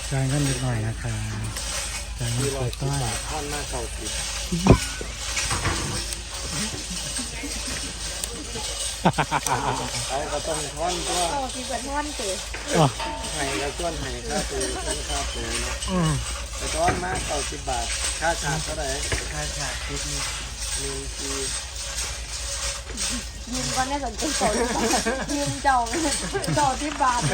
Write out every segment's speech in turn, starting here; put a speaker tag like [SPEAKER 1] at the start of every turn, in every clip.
[SPEAKER 1] จ่ายเงินนิดหน่อยนะคะจ่ายเงินเปิดต้อย
[SPEAKER 2] ท่อนหน้าเก่าติดไอ้ก็ต้องท่อนตัว
[SPEAKER 3] โอ้ที่เป็นท่อนเต๋อ
[SPEAKER 1] อ๋อ
[SPEAKER 2] ไห้ก็ส่วนไห้ค่าตัวค่าตัวนะ
[SPEAKER 1] อืม
[SPEAKER 2] แต่ท่อนมา90 บาทค่าฉากเท่าไหร่
[SPEAKER 4] ค่าฉากชุดนี้
[SPEAKER 2] 1 ที
[SPEAKER 3] ยืมก็น่าสนใจเจ้ายืมเจ้าที่บาทเลย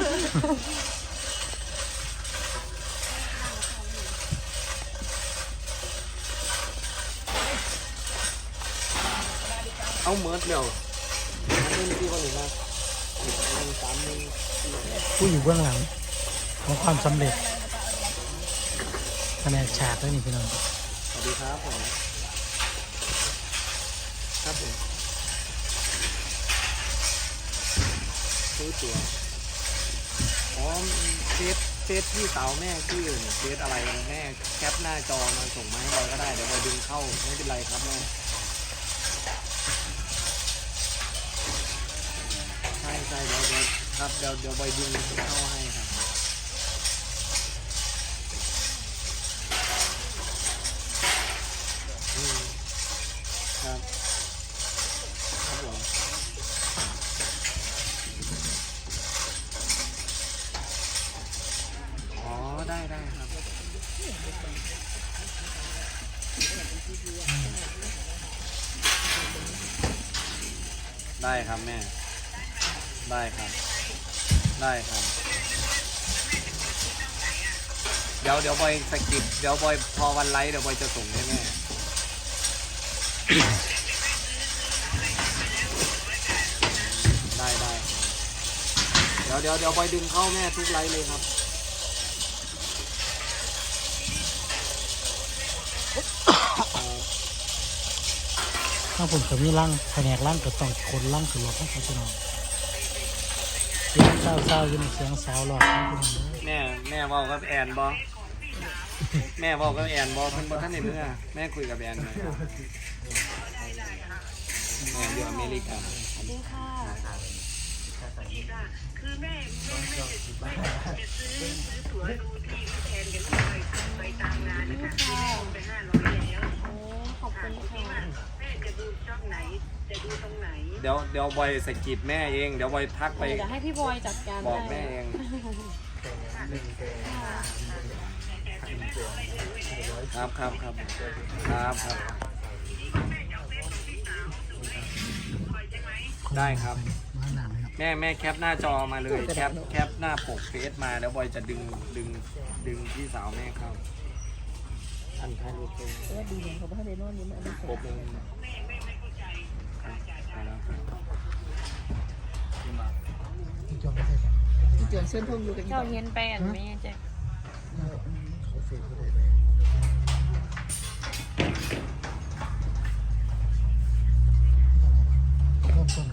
[SPEAKER 2] เอาเมิร์ดเดี๋ยว1 ที่วันหนึ่งนะ1 3 1
[SPEAKER 1] ผู้อยู่เบื้องหลังของความสำเร็จแผนกฉากด้วยนี่พี่น้อง
[SPEAKER 2] สวัสดีครับผมครับผมซื้อตั๋วอ๋อเฟซพี่สาวแม่ชื่อเฟซอะไรแม่แคปหน้าจอมาส่งมาให้บอยก็ได้เดี๋ยวบอยดึงเข้าไม่เป็นไรครับแม่ใช่เดี๋ยวครับเดี๋ยวบอยดึงเข้าให้ครับครับครับผมอ๋อได้ครับได้ครับแม่ได้ครับเดี๋ยวบอยสกิปเดี๋ยวบอยพอวันไลฟ์เดี๋ยวบอยจะส่งให้แม่ได้เดี๋ยวบอยดึงเข้าแม่ทุกไลฟ์เลยครับ
[SPEAKER 1] ถ้าผมจะมีร่างแผนกร่างก็ต้องคนร่างขึ้นรถให้เขาพี่น้องเสียงเศร้าๆอยู่ในเสียงสาวหลอกให้พี่น้องเด้อ
[SPEAKER 2] แม่เว่ากับแอนบอแม่เว่ากับแอนบอเพิ่นบอท่านในเมื่อแม่คุยกับแอนหน่อยครับแอนอยู่อเมริกา
[SPEAKER 3] สวัสดีค่ะ
[SPEAKER 5] คือแม่จะซื้อตั๋วดูทีมแทนกันไปตามงานนะคะไป500แล้ว
[SPEAKER 3] โอ้ขอบคุณค่ะ
[SPEAKER 5] แม่จะดูช่องไหนจะดูตรงไหน
[SPEAKER 2] เดี๋ยวบอยสกิดแม่เองเดี๋ยวบอยทักไป
[SPEAKER 3] เดี๋ยวให้พี่บอยจัดการ
[SPEAKER 2] บอก
[SPEAKER 3] ให้
[SPEAKER 2] แม่เองครับได้ครับ
[SPEAKER 1] มาหนาไหมครับ
[SPEAKER 2] แม่แคปหน้าจอมาเลยแคปหน้าปกเฟซมาแล้วบอยจะดึงพี่สาวแม่เข้าอันท้ายรูปเป็น
[SPEAKER 3] ดีเลยเขาไม่ให้เดนอนนี่มัน
[SPEAKER 2] ปกเลยแล้ว
[SPEAKER 1] ที่จอไม่ใช่ครับ
[SPEAKER 4] จวนเส้นทงอยู่กัน
[SPEAKER 3] เจ้าเฮียนแป้นไหมแจ๊ค
[SPEAKER 1] เขาเฟซก็ได้เลยเริ่มต้น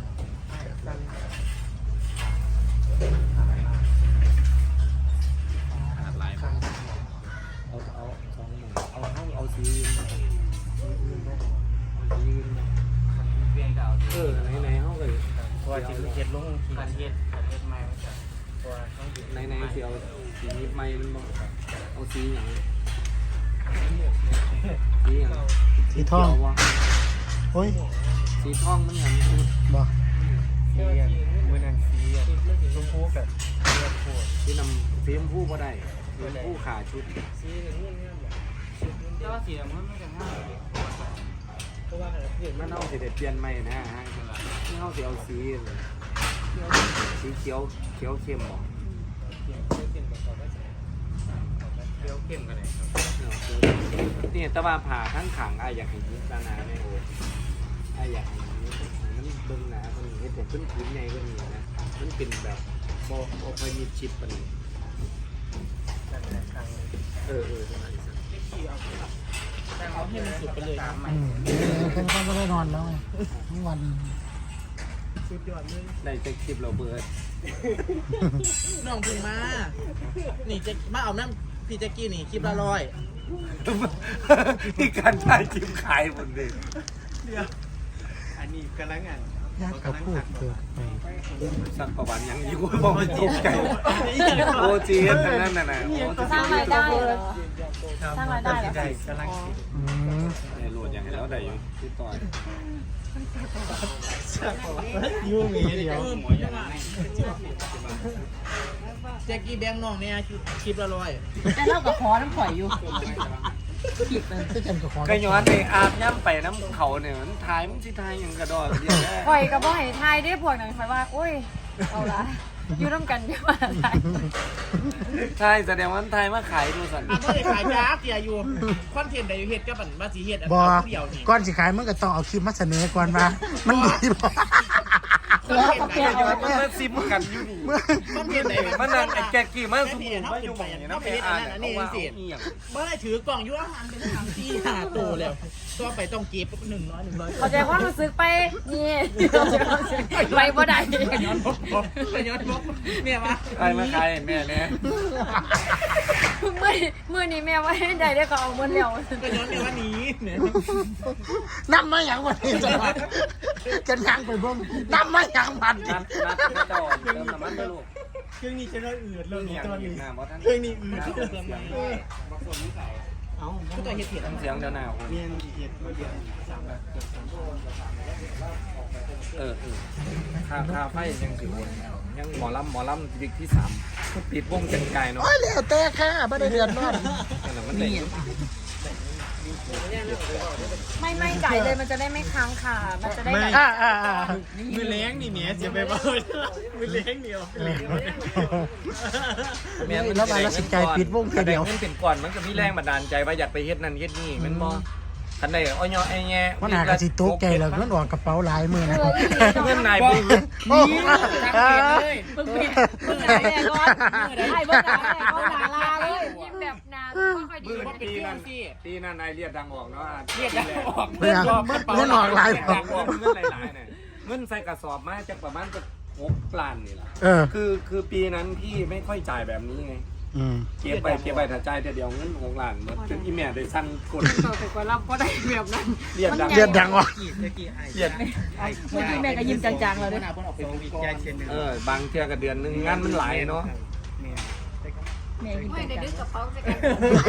[SPEAKER 2] หลายคนเอา2 หมื่นเอาสียืนไหนเขาเลย
[SPEAKER 4] เพราะว่าจิตเฮ็ดลงทีเฮ็ดใหม่มาจากเพราะว่าต้องอยู่
[SPEAKER 2] ไหนสีเอาสีนิดไม่มันบอกเอาสีอย่างสีอย่าง
[SPEAKER 1] สีทอง
[SPEAKER 2] วะ
[SPEAKER 1] โอ้ย
[SPEAKER 2] สีทองมันอย่างชุด
[SPEAKER 1] บ่
[SPEAKER 4] สีมือนั้นสีชมพูกับเลือดโคตร
[SPEAKER 2] สีน้ำสีชมพูก็ได้สีชมพูขาชุด
[SPEAKER 4] สีเหลืองเงี้ยแบบแต่ว่าสีมันไม่จะง่ายเพราะว่าเห็น
[SPEAKER 2] มั
[SPEAKER 4] มัน น
[SPEAKER 2] เอาสีเด็ดเปลี่ยนใหม่นะฮะที่เขาสีเอาสีเขียวเข้มบอก
[SPEAKER 4] เข้มกับเขาก็จะเขียวเข้มกันเลยครับ
[SPEAKER 2] นี่แต่ว่าผ่าทั้งขังไอ้อยากเห็นยิ้มตาหนาเนี่ยโอ้ไอ้อยากเห็นมันเบิ่งหนามันเห็นแต่พื้นใหญ่ก็มีนะมันเป็นแบบโบเคยมีชิปมัน
[SPEAKER 4] นั่นแหละครั้ง
[SPEAKER 2] เออประมาณนี้
[SPEAKER 4] เอาให้มันสุดไปเลยใหม่
[SPEAKER 1] แค่ก็ได้นอนแล้วไงทั้งวัน
[SPEAKER 4] สุดยอดเลย
[SPEAKER 2] ได้จะคลิปเราเบิร์ด
[SPEAKER 4] น้องพึ่งมานี่จะมาเอาน้ำพี่แจ็กกี้นี่คลิปละ
[SPEAKER 2] ที่การถ่ายคลิปขายหมดเลย
[SPEAKER 4] เดี๋ยวอันนี้กำลังอ่าน
[SPEAKER 1] ยากกับพูดเกิดไป
[SPEAKER 2] สักประวันยังอยู่เพราะมันตกใจโอจีนนั่นน่ะนะ
[SPEAKER 3] สร้างรายได้เหรอสร้างรายได้เหรอ
[SPEAKER 1] อืม
[SPEAKER 2] โหลดอย่างแล้วได้อยู่ที่ต่อย
[SPEAKER 1] ยูมีเดียว
[SPEAKER 4] แจ็กกี้แบงค์น้องเนี่ยคลิปละ100
[SPEAKER 3] แต่เล่ากับคอน้ำข่อยอยู่
[SPEAKER 1] คือกันกับของ
[SPEAKER 2] ก็ย้อนไปอาบย่ำไปน้ำเขาเนี่ยมันทายมันสิทายอย่างกระดอกเดียวแค่
[SPEAKER 3] ข่อยกับบ่ให้ทายได้พวกนั้นข่อยว่าโอ้ยเอาละอยู่ร่วมกันจะมาทาย
[SPEAKER 2] ใช่แสดงว่าทายมาขายดูสัน
[SPEAKER 4] อันนี้ขายยากอย่าอยู่คอนเทนต์ใดอยู่เฮ็ดกับบันมาสิเฮ็ดอัน
[SPEAKER 1] บอ
[SPEAKER 4] เดียวนี่
[SPEAKER 1] ก่อนสิขายมันก็ต้องเอาคลิปมาเสนอก่อนว่ามันดีบ่
[SPEAKER 4] คอนเทนต์ใดอยู่
[SPEAKER 2] มันมาซิมกันอยู่นี่
[SPEAKER 4] คอนเทนต์ใด
[SPEAKER 2] มันนั่งไอ้แกกี้มาสมุนมาอยู่
[SPEAKER 4] ไป
[SPEAKER 2] นี่
[SPEAKER 4] นะ
[SPEAKER 2] นะ
[SPEAKER 4] ไป
[SPEAKER 2] ไป
[SPEAKER 4] เฮ็ด
[SPEAKER 2] อ่า
[SPEAKER 4] อั
[SPEAKER 2] น
[SPEAKER 4] นนั้นอันนี้สิเมื่อไรถือกล่องอยู่อาหารเป็นอาหารที่5ตัวแล้วตัวไปต้องเก็บ100
[SPEAKER 3] เข้าใจความรู้สึกไปนี่ไปบ่ได้
[SPEAKER 4] ย้อนบกเนี่ยมา
[SPEAKER 2] ใครมาขายแม่เนี่ย
[SPEAKER 3] มื้อนี้แม่ว่าได้ได้ก็เอาหมดแล้ว
[SPEAKER 4] ก็ย้อนเนี่ยว่านี้เนี่ย
[SPEAKER 1] น้ำมาอย่างวันนี้จะมาจะยังไปเบิ่งน้ำมาอย่างวันนี้
[SPEAKER 2] นัดต่อเติมน้ำมันไปลูก
[SPEAKER 4] เครื่องนี้จะได้อืดเรื่องนี้ตัวนี้
[SPEAKER 2] เครื่องนี้
[SPEAKER 4] อืดที่จะเติมมาเอาก็จะเฮ็ดเห็ด
[SPEAKER 2] เสียงเดี๋ยวหนาว
[SPEAKER 4] เรียนเห็ดมาเดียว
[SPEAKER 2] คาไฟยังถือวนยังหมอลำวิกที่3ปิดวงเป็นไก่เนาะ
[SPEAKER 1] โอ้ยเหลวแต่ค่ะไม่ได้เดือดร้อน
[SPEAKER 2] แต่มันได้
[SPEAKER 3] ไม่ไก่เลยมันจะได้ไม่ค้างค่ะมันจะได้แบบ
[SPEAKER 4] มือเล้งนี่เมียเสียไปบ้ามือเล้งเดียว
[SPEAKER 1] แล้วมาแล้วสิใจปิดวงแค่เดียว
[SPEAKER 2] มันเป็นก่อนมันก็มีแรงบันดาลใจว่าอยากไปเฮ็ดนั่นเฮ็ดนี่มันบ่ทันใดอ้อยไอ้แง่
[SPEAKER 1] มันหากระสิโต๊ะแกแล้วมันออกกระเป๋าหลายมือนะ
[SPEAKER 2] เงินนายบุ้ง
[SPEAKER 3] มึงปิดมึงไหนแน่ก่อนไอ้เบิ้งไหนแน่ก่อนหนาลาเลยยิ้มแบบนาค่อยๆดี
[SPEAKER 2] ปีนั้นนายเรียกดังออกเนาะ
[SPEAKER 4] เรียกได้ออก
[SPEAKER 1] เงินออกหลาย
[SPEAKER 2] ดังออกเงินหลายๆเนี่ยเงินใส่กระสอบมาจากประมาณจะ6 ล้านนี่ล่ะ คือปีนั้นพี่ไม่ค่อยจ่ายแบบนี้ไงเก็บไปถ้าจ่ายแต่เดียวเงิน6 ล้านหมดจนอีแม่ได้สั่นกด
[SPEAKER 3] ต่อไปกว่ารับเพราะได้แบบนั้น
[SPEAKER 2] เรียกดัง
[SPEAKER 1] เดือดดังอ่ะ
[SPEAKER 2] เรียก
[SPEAKER 3] เมื่อกี้แม่ก็ยิ้มจางๆเลยด้วย
[SPEAKER 2] บางเทื่อก็เดือนนึงงานมันหลายเนาะ
[SPEAKER 3] แม่ยิ้ม
[SPEAKER 6] ไม่ได้
[SPEAKER 3] จาง
[SPEAKER 6] ดึกกระเป๋าใส่กัน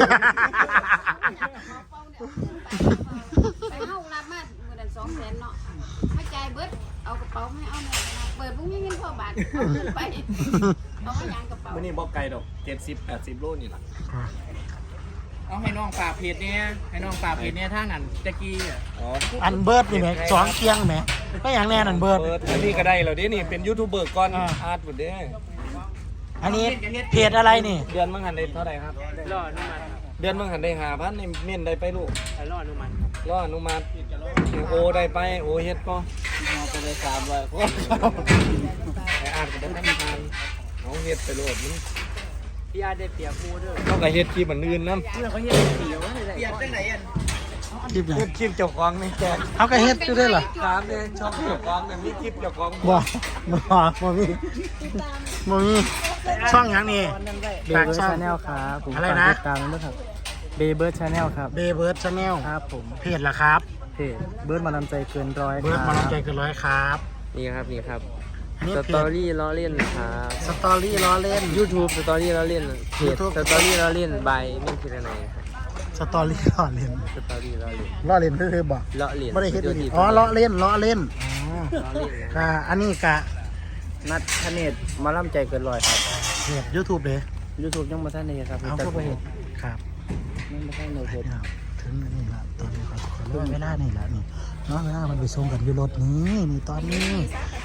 [SPEAKER 6] ไปเข้ารับมาเมื่อเดือน200,000เนาะไม่จ่ายเบิดเอากระเป๋าไม่เอาเนี่ยเปิดพวกนี้เงินพ่อบาทเอาเงินไปเอาไม่ยางกระเป๋า
[SPEAKER 2] วันนี้บอกไกลดอก70-80 โลนี่แหละ
[SPEAKER 4] เอาให้น้องป่าเพจเนี่ยให้น้องป่าเพจเนี่ยท่านั้นตะกี้
[SPEAKER 2] อ๋อ
[SPEAKER 1] อันเบิร์ดนี่แหละ2เคียงแหมไม่อย่างแน่นันเบิร์ด
[SPEAKER 2] อันนี้ก็ได้แล้วดินี่เป็นยูทูบเบอร์ก่อนอาร์ตหมดเด้
[SPEAKER 1] อันนี้เพจอะไรนี่
[SPEAKER 2] เดือนมังหันได้เท่าไหร่ครับ
[SPEAKER 4] รออนุมัติ
[SPEAKER 2] เดือนมังหันได้5,000ในเม่นได้ไปลูก
[SPEAKER 4] รออนุมัติ
[SPEAKER 2] รออนุมัติโอได้ไปโอเฮ็ดก็
[SPEAKER 4] ไปเลย300คน
[SPEAKER 2] ไออาร์ตก็ได้ทานเอาเฮ็ดไปโลดมัน
[SPEAKER 4] พี่อาได้เปรียบมูเด้อ
[SPEAKER 2] ต้องก็เฮ็ดคลิปอันอื่นนำ
[SPEAKER 4] เพื่อเขาเฮ็ดเปรียบเปรียบจังไหนอัน
[SPEAKER 1] คลิปไหน
[SPEAKER 2] เฮ็ดคลิปเจ้าของในแจก
[SPEAKER 1] เขาก็เฮ็ดอยู่ด้วยเหรอ
[SPEAKER 2] ตามเด้ช่องเจ้าของมีคลิปเจ้าของ
[SPEAKER 1] บ่มีช่องอย่างนี้ฝากช่อง
[SPEAKER 4] ครับ
[SPEAKER 1] อะไรนะ
[SPEAKER 4] ตามด้วยครับเบเบิร์ดชาแนลครับ
[SPEAKER 1] เบเบิร์ดชาแนล
[SPEAKER 4] ครับผม
[SPEAKER 1] เพจละครับ
[SPEAKER 4] เพจเบิร์ดมานำใจเกินร้อย
[SPEAKER 1] เบิร์ดมาลงใจเกินร้อยครับ
[SPEAKER 4] นี่ครับนี่ครับ
[SPEAKER 1] อันนี้
[SPEAKER 4] ส
[SPEAKER 1] เพ
[SPEAKER 4] ตอ
[SPEAKER 1] จ
[SPEAKER 4] รี่ล้อเล่นครับ
[SPEAKER 1] สตอรี่ล้อเล่น
[SPEAKER 4] YouTube สตอรี่ล้อเล่นเพจ
[SPEAKER 1] YouTube
[SPEAKER 4] สตอรี่ล้อเล่นใบไม่คิดอะไรครับ
[SPEAKER 1] สตอรี่ล้อเล่น
[SPEAKER 4] สตอรี่ล้อเล่น
[SPEAKER 1] ล้อเล่นคือบอก
[SPEAKER 4] ล้อเล่น
[SPEAKER 1] ไม่ได้เฮ็ดดีอ๋อล้อเล่นอ๋อ
[SPEAKER 4] ล้อเล่นนะ
[SPEAKER 1] ค่ะอันนี้กะ
[SPEAKER 4] นัดทเนศมาล่ำใจเกินร้อยครับ
[SPEAKER 1] เพจ YouTube เลย
[SPEAKER 4] YouTube ยังมาท่านเลยครับ
[SPEAKER 1] เอาเข้าไปเห็นครับ
[SPEAKER 4] ยังมาท่านเลยเพจ
[SPEAKER 1] ถึงนี่ละตอนนี้ขอเรื่องเวลานี่ละนี่เนาะเวลามันไปส่งกันอยู่รถนี้นี่ตอนนี้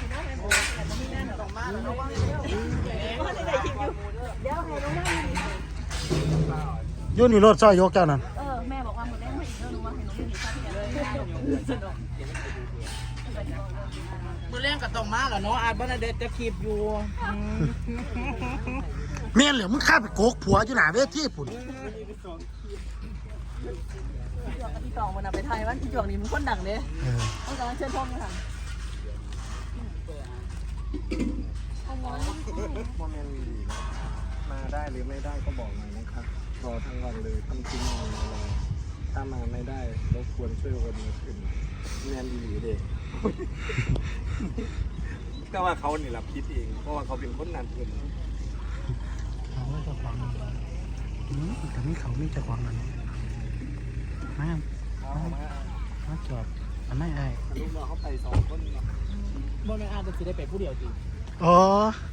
[SPEAKER 1] อยู่นี่รถซอยยกเจ้านั่น
[SPEAKER 3] แม่บอกว่าหมดได้ไม่อีกเรื่องนึงว่าให้น้องยืนดีครับ
[SPEAKER 4] มือแรงกับตองมาเหรอเนาะอาจบ้านเด็ดจะคลิปอยู่
[SPEAKER 1] เมียนเหลือมึงข้าไปโกกผัวอยู่หน้าเวทีปุ่น
[SPEAKER 3] จวกกับที่สองวันน่ะไปไทยว่าที่จวกนี้มันคนดังเลยต้องการเชิญพ่อมาทำ
[SPEAKER 2] มาได้หรือไม่ได้ก็บอกหน่อยนะครับรอทั้งวันเลยทั้งคืนนอนรอถ้ามาไม่ได้รบกวนช่วยวันนี้ขึ้นแมนดีเด็กแต่ว่าเขานี่แหละคิดเองเพราะว่าเขาเป็นคนนั้นเอง
[SPEAKER 1] เขาไม่จะขวางมันแต่นี่เขาไม่จะขวางมันมาจอบอันไม่ไอ้
[SPEAKER 2] ลูกน้องเขาไป2 คนเนาะ
[SPEAKER 4] บ่แม่นอาจจะสิได้ไปผู้เดียวจริง
[SPEAKER 1] อ๋อ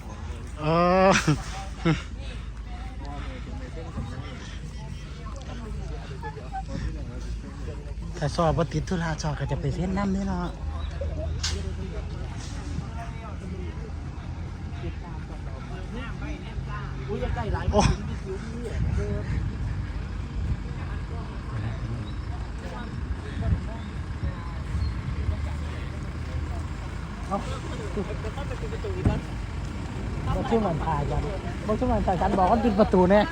[SPEAKER 1] แต่สอบว่าติดธุระสอบก็จะไปเส้นน้ำนี่เนาะ
[SPEAKER 4] อุ้ยใกล้หลาย
[SPEAKER 1] โอ้บ่ชื่อมันพากันบ่ชื่อมันพากันบอกว่าปิดประตูเนี่ย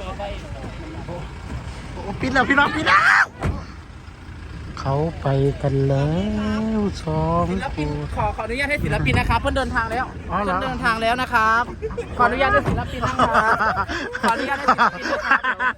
[SPEAKER 1] ปิดแล้วพี่น้องปิดแล้วเขาไปกันแล้วสอง
[SPEAKER 4] ศิล
[SPEAKER 1] ค
[SPEAKER 4] ปิน
[SPEAKER 1] น
[SPEAKER 4] ขออนุญาตให้ศิลปินนะครับเพิ่นเดินทางแล้ว
[SPEAKER 1] อ๋อเหรอ
[SPEAKER 4] เพิ่นเดินทางแล้วนะครับ ขออนุญาตให้ศิลปินนะครับขออนุญาตให้ศิลปินนะครับ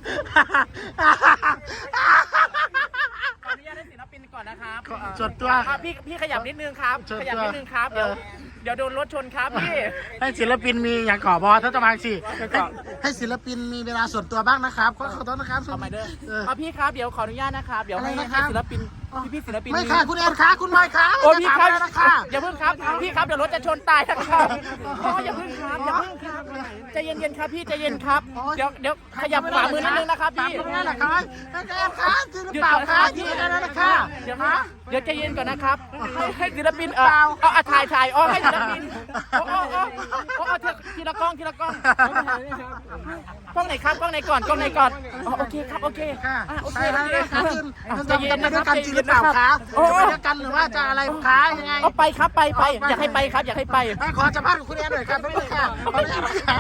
[SPEAKER 4] ขออนุญาตให้ศิลปินก่อนนะครับ
[SPEAKER 1] จดตัว
[SPEAKER 4] พี่ขยับนิดนึงครับ
[SPEAKER 1] เชิญ
[SPEAKER 4] ขยับนิดนึงครับเดี๋ยวโดนรถชนครับพี่
[SPEAKER 1] ให้ศิลปินมีอย่างก่อบอถ้าจะมาสิให้ศิลปินมีเวลาส่วนตัวบ้างนะครับขอโทษนะครับ
[SPEAKER 4] ทำไมเด้อพี่ครับเดี๋ยวขออนุญาตนะครับเดี๋ยวให้
[SPEAKER 1] อะไรนะครับ
[SPEAKER 4] ศิลปินพี่ศิลปิน
[SPEAKER 1] ไม่ค่ะคุณแอนค่ะคุณไมค์ค่ะ
[SPEAKER 4] โอ้พี่ครับ
[SPEAKER 1] จะถามแล้วนะคะ
[SPEAKER 4] อย่าเพิ่งครับพี่ครับเดี๋ยวรถจะชนตายนะครับอ๋ออย่าเพิ่งครับอย่าเพิ่งครับใจเย็นๆครับพี่ใจเย็นครับเดี๋ยวขยับขวามือนิดนึงนะครับ
[SPEAKER 1] ตาม
[SPEAKER 4] พี่
[SPEAKER 1] ตรงนี้แหละครับไม่แอนค่ะจริงหรือเปล่าคะจริงแล้วนะคะ
[SPEAKER 4] เดี๋ยวใจเย็นก่อนนะครับให้ศิลปินเอาถ่ายให้ศิลปินเอาทีละกล้องกล้องไหนครับกล้องไหนก่อนโอเคครับโอเค
[SPEAKER 1] ค่ะ
[SPEAKER 4] โอเค
[SPEAKER 1] ใช่แล้วนะคะจริง
[SPEAKER 4] ใจเย็น
[SPEAKER 1] จะ
[SPEAKER 4] นะ
[SPEAKER 1] ไป
[SPEAKER 4] ค
[SPEAKER 1] ด้
[SPEAKER 4] รั
[SPEAKER 1] วย
[SPEAKER 4] บ
[SPEAKER 1] กันจริงหรือเปล่าคะ
[SPEAKER 4] โอ้
[SPEAKER 1] จะไปด้วยกันหรือว่าจะอะไรคะยังไง
[SPEAKER 4] เอาไปครับไปอยากให้ไปครับอยากให้ไป
[SPEAKER 1] ขอสัมภาษณ์กับคุณแอนหน่อยครับทุกคนค่ะขออนุญาตนะคะ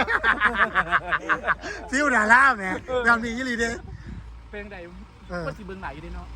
[SPEAKER 1] ฟิวดาล่าแหมแบบนี้ยี่ลีเด้
[SPEAKER 4] เป็นไงก็สิเบิ่งไหนอยู่ดิเนาะ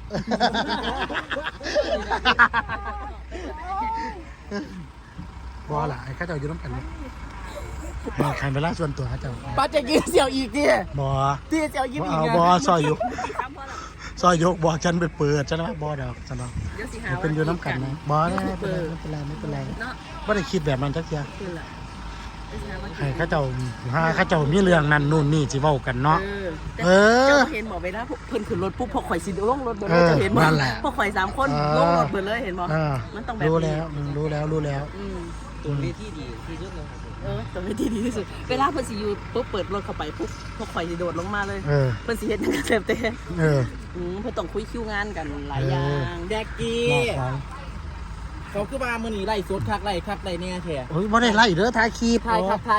[SPEAKER 1] บอล่ะไอ้ข้าเจ้าอยู่น้ำกันเนี่ยใครเวลาส่วนตัวข้าเจ้า
[SPEAKER 4] ป้าจะกินเสี่ยวอีกดิ
[SPEAKER 1] บอ
[SPEAKER 4] ที่เสี่ยวยิ้มอีก
[SPEAKER 1] เอา
[SPEAKER 4] ไง
[SPEAKER 1] บอซอยยกบอกฉันไปเปิดฉันนะบอดอกฉันเนาะเป็นอยู่น้ำกันนะบอไม่เป็นไรไม่ได้คิดแบบนั้นจักอย่างใครข้าเจ้ามีเรื่องนั้นนู่นนี่สิเว้ากันเนาะเ
[SPEAKER 3] เห็นบอกไปแล้วเพิ่นขึ้นรถปุ๊บพอข่อยสิลงรถเบิด
[SPEAKER 1] เอ
[SPEAKER 3] เลย
[SPEAKER 1] อ
[SPEAKER 3] จะเห็นบ่
[SPEAKER 1] นั่นแหละ
[SPEAKER 3] พอข่อย3 คนลงรถเบิดเลยเห็นบ่มันต้องแบบ
[SPEAKER 1] รู้
[SPEAKER 3] นี้
[SPEAKER 1] แล้ว
[SPEAKER 4] ตัวเวทีดีที่สุดเลย
[SPEAKER 3] ตัวที่ดีที่สุดเวลาเพิ่นสิอยู่ปุ๊บเปิดรถเข้าไปปุ๊บพอข่อยสิโดดลงมาเลยเพิ่นสิเฮ็ดจังซี่แต่
[SPEAKER 1] เ
[SPEAKER 3] พิ่นต้องคุยคิวงานกันหลายอย่าง
[SPEAKER 4] แดกกี้เขาคือว่ามื้อนี้ไล่สดคักไล่เนี่ยแท้
[SPEAKER 1] โอ้ยบ่ได้ไล่เด้อถ่ายคลิป
[SPEAKER 4] ถ่ายครับ